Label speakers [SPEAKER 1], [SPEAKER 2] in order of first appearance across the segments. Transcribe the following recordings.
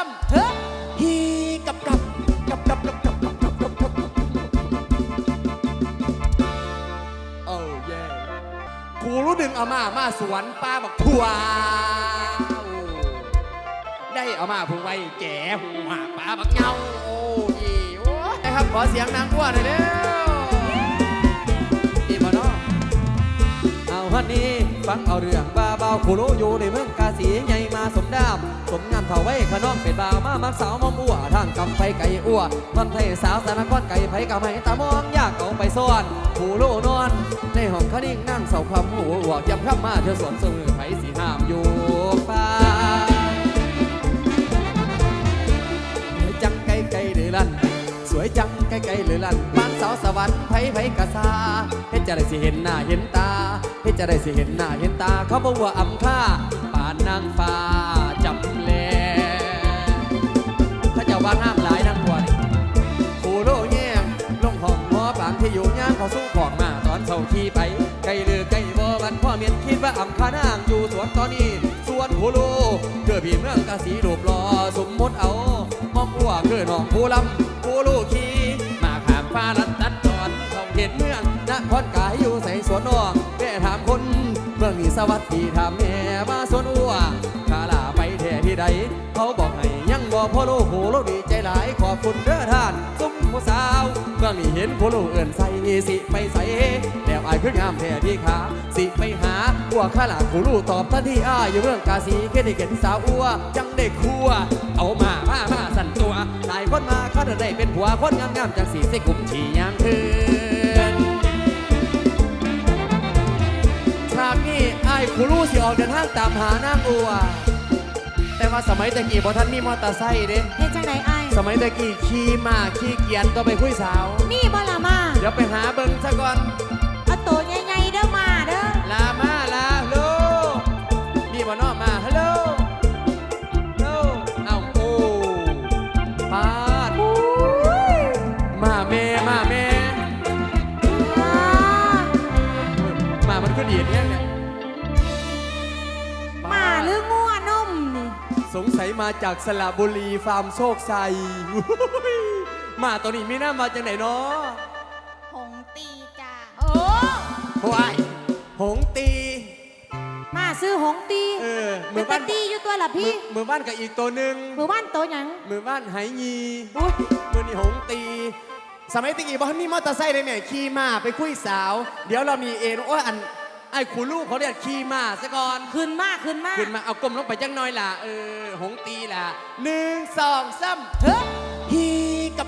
[SPEAKER 1] เฮ้ยฮีกับโอ้เย่กูรู้ดึงเอามาสวนป้าบอกทัวได้เอามาพึ่งไว้แก่หัวป้าบักเงาโอ้ยโอ้ยครับขอเสียงนางทัวหน่อยเร็วนี่มาเนาะ
[SPEAKER 2] เอาฮันนี่ฟังเอาเรื่องบ้าเบาผู้รู้อยู่ในเมืองกาสีใหญ่มาสมดามสมงามเท่าไว้ขน้องเป็นบ่าวมามักสาวมอมอ้วทางกำไฟไก่อ้วทอนไทยสาวสารก้อนไก่ไผกำให้ตามองยากเอาไปซ่อนผู้รู้นอนในห้องคนิ่งนั่งเสาคำหัวยับพร่ำมาเธอสวนสมือไผสีห้ามอยู่ฟ้าจังไก่ไก่หรือลั่นสวยจังไก่ไก่หรือลั่นบ้านสาวสวรรค์ไผกะซาเฮ็ดจะได้สิเห็นหน้าเห็นตาเฮ็ดจะได้สิเห็นหน้าเห็นตาเขาบอกว่าอำค่าป่านนางฟ้าจับแลเขาเจ้าว่างามหลายนางบัวนี่ผู้โลแย่งลงห้องหมอปางที่อยู่ย่างเขาสู้ของมาตอนเช้าขี่ไปไก่ลือไก่บ่มันพ่อเมียนคิดว่าอำค่านางอยู่สวนตอนนี้สวนผู้โลเกิดพี่เมืองกาสีรูปรอสมมติเอามอมอัวเกิดน้องผู้ลำผู้ลูกขี่มาขามฟ้าลัดตัดตอนท่องเขตเมืองนครกายอยู่ใส่สวนนอกแม่ถามคนเมืองนี้สวัสดีถามแม่มาสวนอัวข้าลาไปแท่ที่ใดเขาบอกให้ยังบอกพ่อลูกโหลูกดีใจหลายขอบคุณเด้อท่านซุ่มผู้สาวเมืองนี้เห็นพ่อลูกเอื่นใส่สิไปใส่แล้วอายคืองามแท่ที่ขาสิไปหาอัวข้าลาผู้ลูกตอบทันทีอ้ายอยู่เมืองกาสีแค่ได้เห็นสาวอัวจังได้คัวเอามาสั่นตัวหลายคนมาเขาได้เป็นผัวคนงามจังสีใส่กลุ่มฉี่ยางคืนฉากนี้ไอ้ผู้รู้สิออกเดินทางตามหานางอัวแต่ว่าสมัยตะกี้บ่ท่านมีมอเตอร์ไซค์เด้
[SPEAKER 3] เฮ็ดจังไดอ้าย
[SPEAKER 1] สมัยตะกี้ขี่ม้าขี่เกียนก็ไปคุยสาว
[SPEAKER 3] มีบ่ล่ะมา
[SPEAKER 1] เดี๋ยวไปหาเบิ่งซะก่อน
[SPEAKER 3] เอาโตใหญ่ๆเด้อมาเด้อ
[SPEAKER 1] ลาฮัลโหลมีบ่น้อมาฮัลโหลเอาโอ้พาดมาแม่มามันก็ดีดเนี่ย
[SPEAKER 3] มาหรืองัวนมนี่
[SPEAKER 1] สงสัยมาจากสระบุรีฟาร์มโชคชัยมาตัวนี้มีหน้ามาจากไหนเนาะ
[SPEAKER 3] หงตีจ้าโอ้
[SPEAKER 1] โอ้ยหงตี
[SPEAKER 3] มาซื้อหงตีมือบ้านตีอยู่ตัวละพี่
[SPEAKER 1] มือบ้านกับอีกตัวหนึ่ง
[SPEAKER 3] มือบ้านโตหยัง
[SPEAKER 1] มือบ้านไหยีมือนี่หงตีสมัยตะกี้บ่มีมอเตอร์ไซค์เลยเนี่ยขี่ม้าไปคุยสาวเดี๋ยวเรามีเอ็นโอ้ยอันไอ้คุณลูกเขาเรียกขี่ม้าซะก่อน
[SPEAKER 3] ขึ้นมา
[SPEAKER 1] เอากลมลงไปจังน้อยล่ะหงตีล่ะ1 2 3เฮ้ยฮีกับ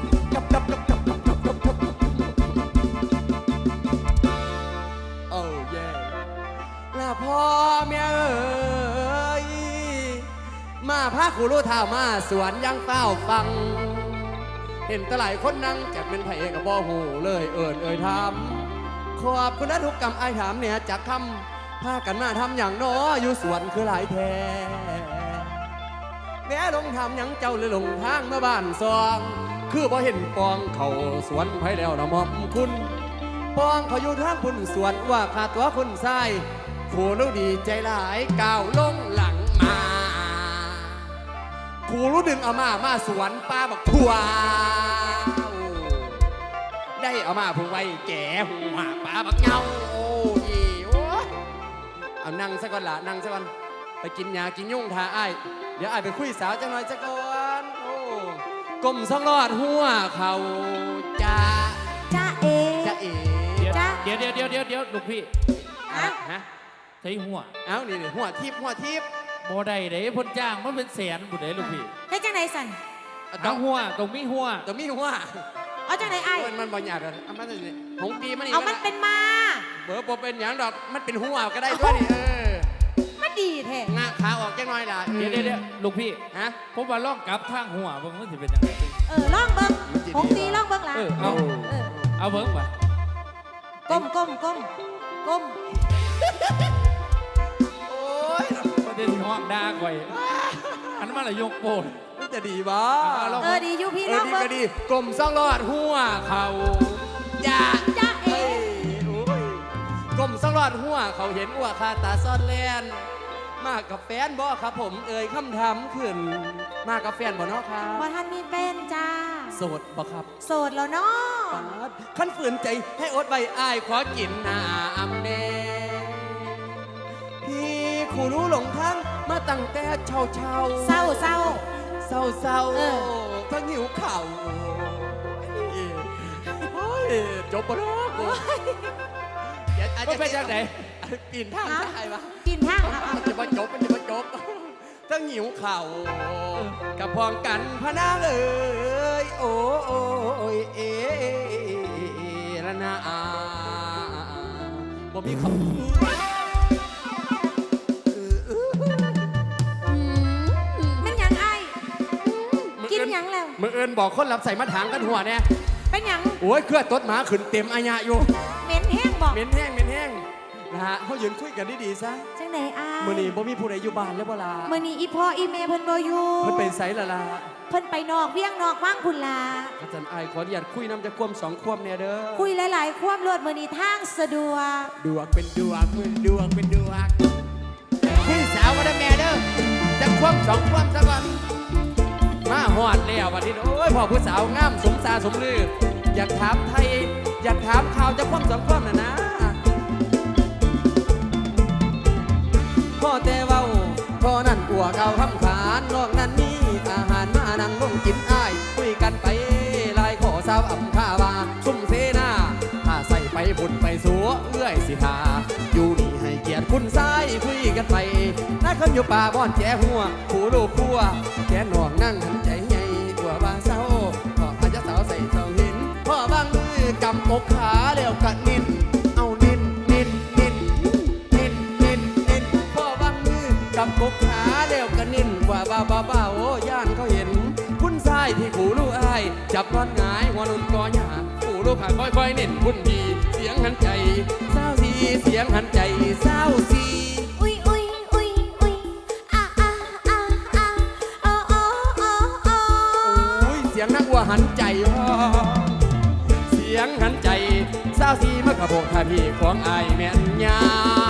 [SPEAKER 1] โอ้เย่ล่ะพ่อแม่เอ้ยมาพาคุณลูกเท้ามาสวนยังเฝ้าฟังเห็นตะหลายคนนั่งจะเป็นไผ่กับบ่หูเลยทำขอบคุณนะทุกกรรมไอ้ถามเนี่ยจากคำพากันมาทำอย่างน้ออยู่สวนคือหลายแท้แม่ลงทำอย่างเจ้าเลยลงทางมาบ้านซองคือบ่เห็นปองเขาสวนไผ่แล้วนะมอมคุณปองเขาอยู่ทางคุณสวนว่าขาดตัวคุณทรายผู้รู้ดีใจหลายก้าวลงหลังมาผู้รู้ดึงเอามาสวนป้าบอกทัวได้เอามาพึ่งไว้แก่หัวป้าบักเงาโอ้ยเอานั่งซะก่อนล่ะนั่งซะก่อนไปกินยากินยุ่งทาไอ้เดี๋ยวไอ้ไปคุยสาวจังหน่อยซะก่อนโอ้กลมซ่องรอดหัวเขาจ้า
[SPEAKER 3] เอ
[SPEAKER 4] เดี๋ยวลูกพี่ฮะใส่หัว
[SPEAKER 1] เอานี่หัวทิพย์
[SPEAKER 4] บ่ได้เด้พ่นจ้างมันเป็นแสนบุเด้ลูกพี่
[SPEAKER 3] ให้จังไหนสั่น
[SPEAKER 4] ต้องหัวต้องมีหัว
[SPEAKER 3] เอาจังไหนไอ้
[SPEAKER 1] มันบ่อยากเลยมันหงตีมัน
[SPEAKER 3] เอามันเป็นมา
[SPEAKER 1] เบอร์บ่เป็นอย่างดอกมันเป็นหัวก็ได้ด้วยนี่
[SPEAKER 3] มันดีแท้
[SPEAKER 1] งาขาออกจังหน่อยล่ะ
[SPEAKER 4] เดี๋ยวลูกพี่
[SPEAKER 1] ฮะ
[SPEAKER 4] ผมว่าลองกลับทางหัวเบิ่งมันสิเป็นยังไง
[SPEAKER 3] ลองเบิ่งหงตีลองเบิ่งล่ะ
[SPEAKER 4] เอาเบิ่งป่ะ
[SPEAKER 3] ก้ม
[SPEAKER 1] โอ้ย
[SPEAKER 4] ประเด็นห้องด่าก่อยอันนั้นมันละยกโปน
[SPEAKER 1] มันจะดีบ่
[SPEAKER 3] ดีอยู่พี่ลองเบิ่ง
[SPEAKER 1] ก็ดีกลมซ่องรอดหัวเขาจ้าเอกลมซ่องรอดหัวเขาเห็นว่าคาตาซ่อนแลนมากับแฟนบ่ครับผมเอ่ยคำถามขึ้นมากับแฟนบ่เนาะครับ
[SPEAKER 3] บ่ท่านมีแฟนจ้า
[SPEAKER 1] โสดบ่ครับ
[SPEAKER 3] โสดแล้วเนาะ
[SPEAKER 1] ปาดขั้นฝืนใจให้อดใบอ้ายขอกินน้ำแน่พี่ขู่รู้หลงทางมาตั้งแต่เช้าเช้า
[SPEAKER 3] เศร้าเศร้า
[SPEAKER 1] เศร้าเศร้า
[SPEAKER 3] เออ
[SPEAKER 1] ทั้งหิวข่าวโอ้ยจบปะเนาะกูเดี๋ยวอาจ
[SPEAKER 4] ก็
[SPEAKER 1] จะ
[SPEAKER 4] เป็นยังไง
[SPEAKER 1] ปีนทางได้ปะ
[SPEAKER 3] กินทางเอา
[SPEAKER 1] มันจะมาจบมันจะมาจบทั้งหิวข่าวกับพองกันพะนางเอ้ยโอ้ยเอละนาบ่มีคำ
[SPEAKER 3] เป็นหยังไอ้กินหยังแล้ว
[SPEAKER 1] มือเอินบอกคนรับใส่มาถางกันหัวเนี่ย
[SPEAKER 3] เป็นหยัง
[SPEAKER 1] โอ้ยเครือตดหมาขึ้นเต็มอายะอยู่
[SPEAKER 3] เหม็นแห้งบอก
[SPEAKER 1] เหม็นแห้งเหม็นแห้งนะฮะเขายืนคุยกันดีๆซะ
[SPEAKER 3] จังไหนอ้าย
[SPEAKER 1] มื้อนี้บ่มีผู้ใดอยู่บ้านแล้วบ่ล่ะ
[SPEAKER 3] มื้อนี้อีพ่ออีแม่เพิ่นบ่อยู่
[SPEAKER 1] เพิ่นไปไสล่ะล่ะ
[SPEAKER 3] เพิ่นไปนอกเวียงนอกว่างพุ่นล่ะ
[SPEAKER 1] อาจารย์อ้ายขออนุญาตคุยน้ำจะควมสองควมเนี่ยเด้อ
[SPEAKER 3] คุยหลายๆความรวดมื้อนี้ทางสะดวก
[SPEAKER 1] ดวงเป็นดวงมือดวงเป็นดวงคุยสาวก็ได้แม่เด้อจะควมสองควมซะก่อนมาฮอดแล้วบัดนี้โอ้ยพ่อผู้สาวงามสมตาสมลืออยากถามไทยอยากถามข่าวจะควมสองควมน่ะนะพ่อแต่เว้าพ่อนั่นกัวเก่าคำขานนอกนั้นมีอาหารมานั่งลงกินอ้ายคุยกันไปลายขอสาวอ่ำข้าวาซุ่มเสนาถ้าใส่ไปบุญไปสัวเอื้อยสิทาอยู่นี่ให้เกียรติคุณซ้ายคุยกันไปน้าคนอยู่ป่าบ่อนแจ้หัวผู้ลูกพัวแกนหนองนั่งหันใจใหญ่ตัวบางเศร้าพ่ออาจจะสาวใส่เสาหินพ่อบางมือกำอกขาแล้วกัดนินเอานินนินนินนินนินนินพ่อบางมือกำอกขาแล้วกัดนินว่าบ้าโอ้ย่านเขาเห็นคุณซ้ายที่ขู่ลูกอ้ายจับนอนหงายหัวนุ่นกอหยาขู่ลูกขาค่อยๆเน้นคุณดีเสียงหันใจเศร้าสีเสียงหันใจเศร้าสี
[SPEAKER 3] อุ้ยอุ้ยอุ้ยอุ้ยอ่ะอ่ะอ่ะอ่ะโอ้โอ้โอ้โอ้
[SPEAKER 1] โอ้ยเสียงนักวัวหันใจพ่อเสียงหันใจเศร้าสีมะกระโบกท่าพี่ของอายแม่นยาว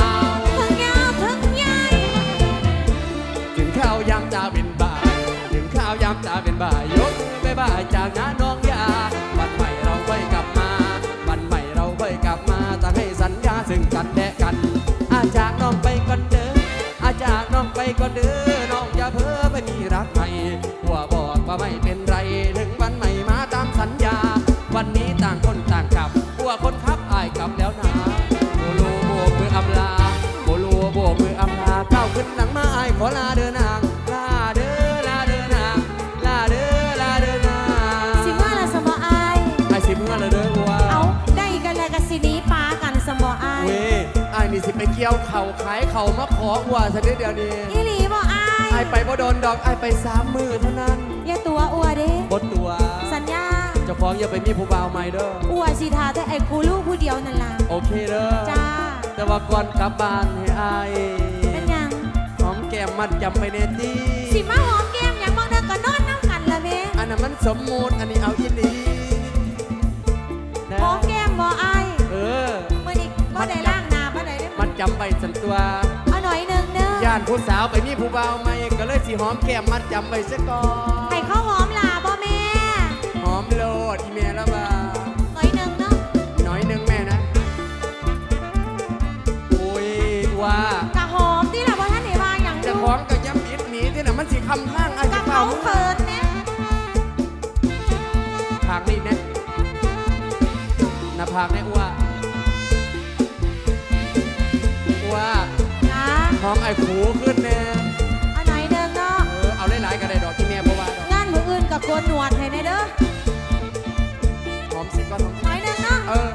[SPEAKER 3] ถึงยาวถึงใหญ่
[SPEAKER 1] ถึงข้าวยามตาเป็นบ่ายถึงข้าวยามตาเป็นบ่ายยกมือไปบ่ายจากน้าน้องยาวันใหม่เราค่อยกลับมาวันใหม่เราค่อยกลับมาตั้งให้สัญญาซึ่งกันและกันอาจากน้องไปก่อนเด้ออาจากน้องไปก่อนเด้อน้องอย่าเพ้อไปมีรักใหม่หัวบอกว่าไม่เป็นไรถึงวันใหม่มาตามสัญญาวันนี้ต่างคนต่างกลับหัวคนขับอายกลับแล้วนะโบโลโบกมืออำลาโบโลโบกมืออำลาก้าวขึ้นหลังมาอายขอลาเดินนางลาเด้อลาเดินนางลาเด้อลาเดินนาง
[SPEAKER 3] สิว่าละสมออาย
[SPEAKER 1] ไอ้สิเมื่อละเด้อวัว
[SPEAKER 3] เอาได้กันแล้วก็สิหนี้ปากันสมออาย
[SPEAKER 1] เว้ยไอ้นี่สิไปเกี่ยวเข่าขายเข่ามาขอวัวซะเดี๋ยวนี้
[SPEAKER 3] อีหลีบ่อาย
[SPEAKER 1] ไอ้ไปบ่โดนดอกไอ้ไป3 มือเท่านั้น
[SPEAKER 3] อย่าตัวอัวเด้
[SPEAKER 1] บดตัว
[SPEAKER 3] สัญญา
[SPEAKER 1] เจ้าของอย่าไปมีผู้บ่าวใหม่เด้อ
[SPEAKER 3] อัวสิทาแต่ไอ้กูลูกผู้เดียวนั่นล่ะ
[SPEAKER 1] โอเคเด้อ
[SPEAKER 3] จ้า
[SPEAKER 1] แต่ว่าก่อนกลับบ้านให้อาย
[SPEAKER 3] เป็นหยัง
[SPEAKER 1] หอมแก้มมัดจำไปเนตี
[SPEAKER 3] สิมาหอมแก้มหยังบางเด้อก็นอนน้ำกันละเว้
[SPEAKER 1] อันนั้นมันสมมูติอันนี้เอาอีหลีนะ
[SPEAKER 3] หอมแก้มบ่อาย
[SPEAKER 1] เออ
[SPEAKER 3] มื้อนี้บ่ได้ล้างหน้าบ่ได้เด้อ
[SPEAKER 1] มันจำไปสันตัว
[SPEAKER 3] เอาหน่อยหนึงเด้อย่
[SPEAKER 1] านผู้สาวไปมีผู้บ่าวใหม่ก็เลยสิหอมแก้มมัดจำไปซะก่อน
[SPEAKER 3] ให้เขาหอมล่ะบ่แม่
[SPEAKER 1] หอมโลดอีเมลละบ่า
[SPEAKER 3] หน่อยหนึงเนาะ
[SPEAKER 1] น้อยหนึงแม่นะโอ้ยว่า
[SPEAKER 3] กะหอมที่ล่ะบ่ทันได้ว่าหยังอ
[SPEAKER 1] จะ
[SPEAKER 3] ยู่
[SPEAKER 1] ของกับย้ำอิดหนีที่น่ะมันสิคำข้างอาจ
[SPEAKER 3] กะ
[SPEAKER 1] จะ
[SPEAKER 3] เขา
[SPEAKER 1] เฝ้า
[SPEAKER 3] เขินแม่
[SPEAKER 1] ผากนี่นะหน้าผากนี่ว่าว่า
[SPEAKER 3] จ้า
[SPEAKER 1] หอมไอ้ขูขึ้นแน่
[SPEAKER 3] เอาหน่อยหนึงเนาะ
[SPEAKER 1] เอาหลายๆก็ได้ดอกที่แม่บ่ว่าดอก
[SPEAKER 3] งานมื้ออื่นก็โกนหนวดให้แน่เด้อ
[SPEAKER 1] หอมสิก่อนหอมสิ
[SPEAKER 3] หน่อยหนึงเนาะ
[SPEAKER 1] เออ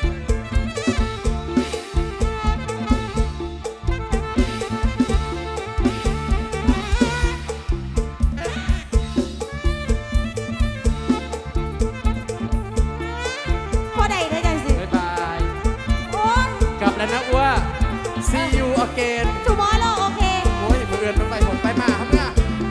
[SPEAKER 3] บ่ได้เด้อจังสิ
[SPEAKER 1] บ๊ายบาย
[SPEAKER 3] โอ้ย
[SPEAKER 1] กลับแล้วนะอ้ว see you again
[SPEAKER 3] tomorrow โอเค
[SPEAKER 1] โอ้ยมือเอื่นมันไปผมไปมาครับเนี่ย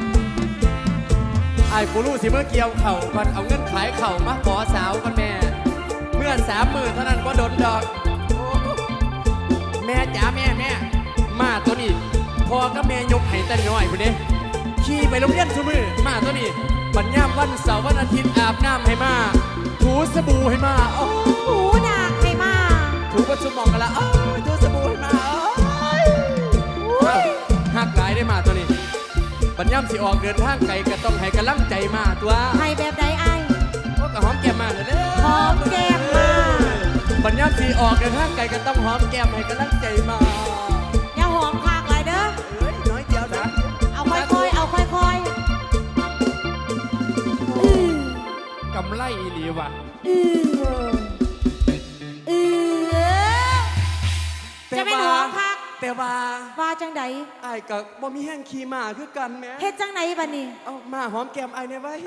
[SPEAKER 1] ไอ้กูรู้สิเมื่อเกี่ยวเข่าก่อนเอาเงินขายเข่ามาขอสาวกันแม่ เมื่อ30,000เท่านั้นก็โดนดอกโอ้แม่จ๋าแม่มาตัวนี้พ่อกับแม่ยกให้แต่น้อยพุ่นเด้ขี่ไปโรงเรียนซุมือมาตัวนี้บัดยามวันเสาร์วันอาทิตย์อาบน้ำให้มาถูสบู่ให้มาโอ้
[SPEAKER 3] หูดากให้มา
[SPEAKER 1] ถูประชุมมองกันละถูสบู่ให้มาหักหลายได้มาตัวนี้บัดยามสิออกเดินทางไกลก็ต้องให้กำลังใจมาตัว
[SPEAKER 3] ให้แบบใดไอ้
[SPEAKER 1] โอ้ก็หอมแก้มมาเลยเด้อ
[SPEAKER 3] หอมแก้มมา
[SPEAKER 1] บัดยามสิออกเดินทางไกลก็ต้องหอมแก้มให้กำลังใจมา
[SPEAKER 3] อย่าหอมคากหลายเด้อ
[SPEAKER 1] เอ้ยน้อยเดียวนะ
[SPEAKER 3] เอาค่อยๆ เอาค่อยๆ
[SPEAKER 4] กำไรอีหลีว่ะ
[SPEAKER 3] จะไม่หอมคัก
[SPEAKER 1] แต่ว่า
[SPEAKER 3] ว่าจังใด
[SPEAKER 1] ไอ้ายกับบ่มีแห้งขี่มาคือกันแหม่
[SPEAKER 3] เฮ็ดจังไหนบัดนี้
[SPEAKER 1] เอามาหอมแก้มไอ้ายเนี่ยไว้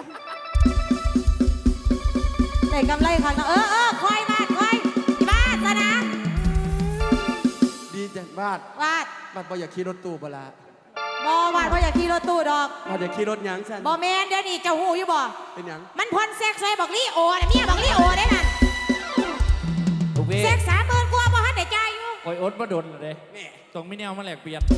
[SPEAKER 3] ได้กำไรคักนะค่อยบาดซะนะ
[SPEAKER 1] ดีจังบาด
[SPEAKER 3] วาด
[SPEAKER 1] บาดบ่อยากขี่รถตู้บ่ละ
[SPEAKER 3] บ่วาดบ่อยากขี่รถตู้ดอก
[SPEAKER 1] บาดอยากขี่รถหยังซั่น
[SPEAKER 3] บ่แม่นเดี๋ยวนี้เจ้าหูอยู่บ่
[SPEAKER 1] เป็นหยัง
[SPEAKER 3] มันพ่นแซกใส่บอกลี่โอน่ะเมียบอกลี่โอได้นั่น
[SPEAKER 4] ลูกพี่
[SPEAKER 3] แซก30,000กว่าบ่ทันได้จ่ายอยู่
[SPEAKER 4] คอยอดมาดนเลย
[SPEAKER 1] แม่
[SPEAKER 4] ตรงไม่แนวมาแหลกเปลี่ยน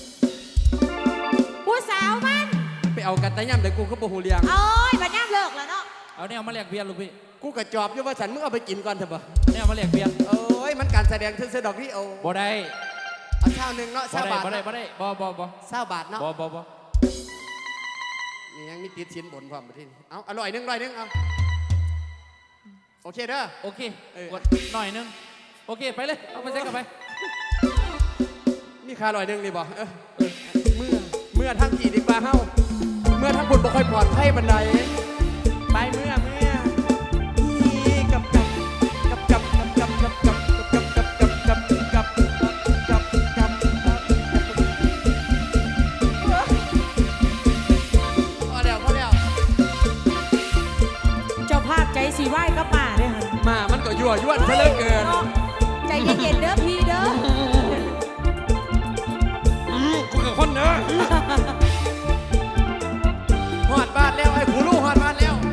[SPEAKER 3] ผู้สาวมัน
[SPEAKER 1] ไปเอากันแต่ย่ำเดี๋ยวกูก็บ่ฮู้เรื่อง
[SPEAKER 3] โอ้ยบัดนี้เลิกแล้วเนาะ
[SPEAKER 4] เอาแนวมาแหลกเปลี่ยนลูกพี่
[SPEAKER 1] กูก็จอบอยู่ว่าฉันมึงเอาไปกินก่อนเถอะบ่
[SPEAKER 4] แนวมาแหลกเปลี่ยน
[SPEAKER 1] โอ้ยมันการแสดงซื่อๆดอกนี่โอ
[SPEAKER 4] บ่ได้
[SPEAKER 1] เอาเช้าหนึงเนาะ
[SPEAKER 4] บ่
[SPEAKER 1] เช้า
[SPEAKER 4] ได้
[SPEAKER 1] บาท
[SPEAKER 4] บ่ได้บ่ได้บ่
[SPEAKER 1] เช้าบาทเนาะ
[SPEAKER 4] บ่
[SPEAKER 1] นี่ยังมีติดสินบนพร้อมบ่ทีนี้เอาอร่อยนึงเอาโอเคเด้อ
[SPEAKER 4] โอเค
[SPEAKER 1] เออ
[SPEAKER 4] กดหน่อยนึงโอเคไปเลยเอาไปเซ็ตกันไป
[SPEAKER 1] มีค่าอร่อยนึงนี่บ่เมื่อทั้งกี่ดีกว่าเฮาเมื่อทั้งบุญบ่ค่อยปลอดภัยบันไดไปเมื่อฮีกับพอแล้ว
[SPEAKER 3] เจ้าภาพใจสีไหว้ก็ป่าเด้อหั่น
[SPEAKER 1] มามันก็ยั่วยวนซะเหลือเกิน
[SPEAKER 3] ใจเย็นๆเด้อพี่เด้อ
[SPEAKER 1] กูกับคนเด้อฮอดบ้านแล้วไอ้ผู้ลูกฮอดบ้านแล้ว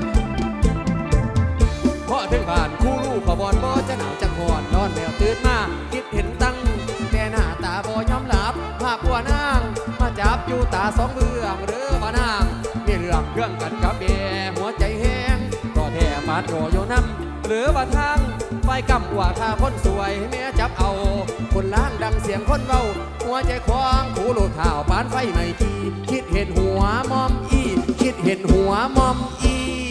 [SPEAKER 1] พอถึงบ้านคู่ลูกขบอนบ่จะหนาวจะหอนนอนแมวตื่นมาคิดเห็นตั้งแต่หน้าตาบ่ยอมหลับภาพบัวนางมาจับอยู่ตาสองเบื้องหรือว่านางมีเรื่องกันกับเบหัวใจแห้งก็แท้ปาดโรโยน้ำหรือว่าทางไฟกำว่าข้าคนสวยแม่จับเอาคนล้างดังเสียงคนเว้าหัวใจควางขู่ลูกเท้าปานไฟไม่ทีคิดเห็นหัวมอมอีคิดเห็นหัวมอมอี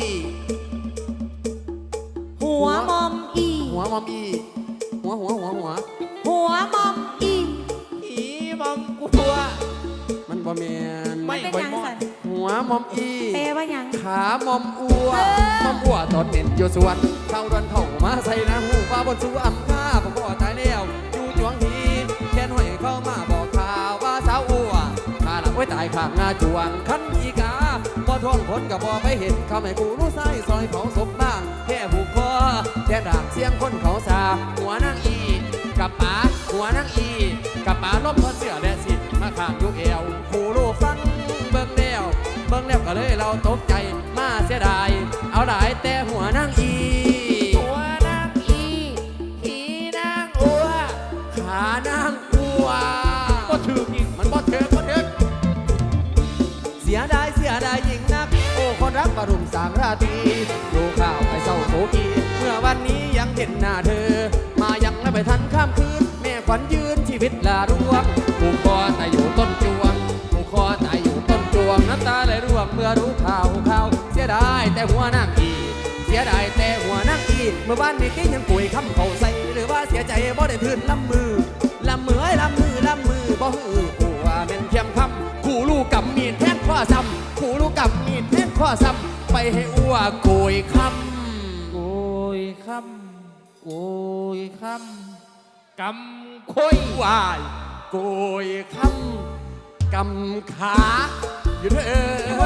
[SPEAKER 3] หัวมอมอี
[SPEAKER 1] หัวมอมอีหัว
[SPEAKER 3] หัวมอมอี
[SPEAKER 4] อีมองกลัว
[SPEAKER 1] มันบ่แมน
[SPEAKER 4] ไม่
[SPEAKER 3] เป็น
[SPEAKER 4] บ่
[SPEAKER 3] หยัง
[SPEAKER 4] มอ
[SPEAKER 3] สั
[SPEAKER 4] ง
[SPEAKER 3] น
[SPEAKER 1] หัวมอมอี
[SPEAKER 3] แปลว่าหยัง
[SPEAKER 1] ขามอมอัวมอมอัวตอนเน้นอยู่สวนเข้าดวนเถ่ามาใส่น้ำหูฟ้าบนสู่อ่ำข้าผมก็ตายแล้วอยู่จวงทีแค่นห้อยเข้ามาบอกข่าวว่าสาวอัวข้าหลังไว้ตายข้างงาจวงคันอีกาบ่ท่วงผลกับบ่ไปเห็นเขาไม่กูรู้ไส้ซอยเผาศพบ้างแค่ผูกคอแค่ด่างเสียงคนเขาสาหัวนางอีกับป๋าหัวนางอีกับป๋าล้มทอดเสื้อและสิมาข้างยุกเอวขู่ลูกฟังเบิ่งแล้วก็เลยเราตกใจมาเสียดายเอาหลายแต่หัวนางอี
[SPEAKER 4] หัวนางอีขีนางอัว
[SPEAKER 1] ขานางอัว
[SPEAKER 4] ก็ถืออีก
[SPEAKER 1] มันบ่เถิกเสียดายยิ่งนักโอ้คนรักประรุมสามราตรีดูข่าวไอ้เศร้าโศกีเมื่อวันนี้ยังเห็นหน้าเธอมายังไม่ไปทันข้ามคืนแม่ขวัญยืนชีวิตลาร่วงผูกคอแต่อยู่ต้นจวงผูกคอแต่อยู่ต้นจวงน้ำตาไหลร่วงเมื่อรู้ข่าวเสียดายแต่หัวนางอีเสียดายแต่หัวนางอีเมื่อวานนี้ที่ยังป่วยคำเขาใส่หรือว่าเสียใจบ่ได้ทื่นลำมือบ่ฮือผู้ว่าแม่นเทียมคำขู่ลูกกับมีดแทงข้อซ้ำขู่ลูกกับมีดแทงข้อซ้ำไปให้อ้วโกยคำ
[SPEAKER 4] โกยคำโกยคำกำคุยว
[SPEAKER 1] ายโกยคำกำขาอยู่เด้อ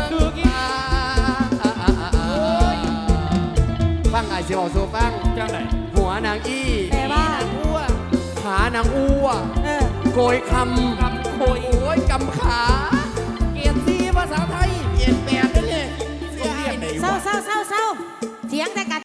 [SPEAKER 1] ฟังไอ้สิบอกสู่ฟัง
[SPEAKER 4] จังไหน
[SPEAKER 1] หัวนางอี
[SPEAKER 3] แปลว่า
[SPEAKER 4] อัว
[SPEAKER 1] ขานางอ้ว โกยคำ
[SPEAKER 4] กำโคย
[SPEAKER 1] โอ้ยกำขา
[SPEAKER 4] เกียรติภาษาไทย
[SPEAKER 1] เปลี่ยนแปลงนั่นเลย
[SPEAKER 4] โรงเรียนไหน
[SPEAKER 3] เศร้าเถียงแต่กัน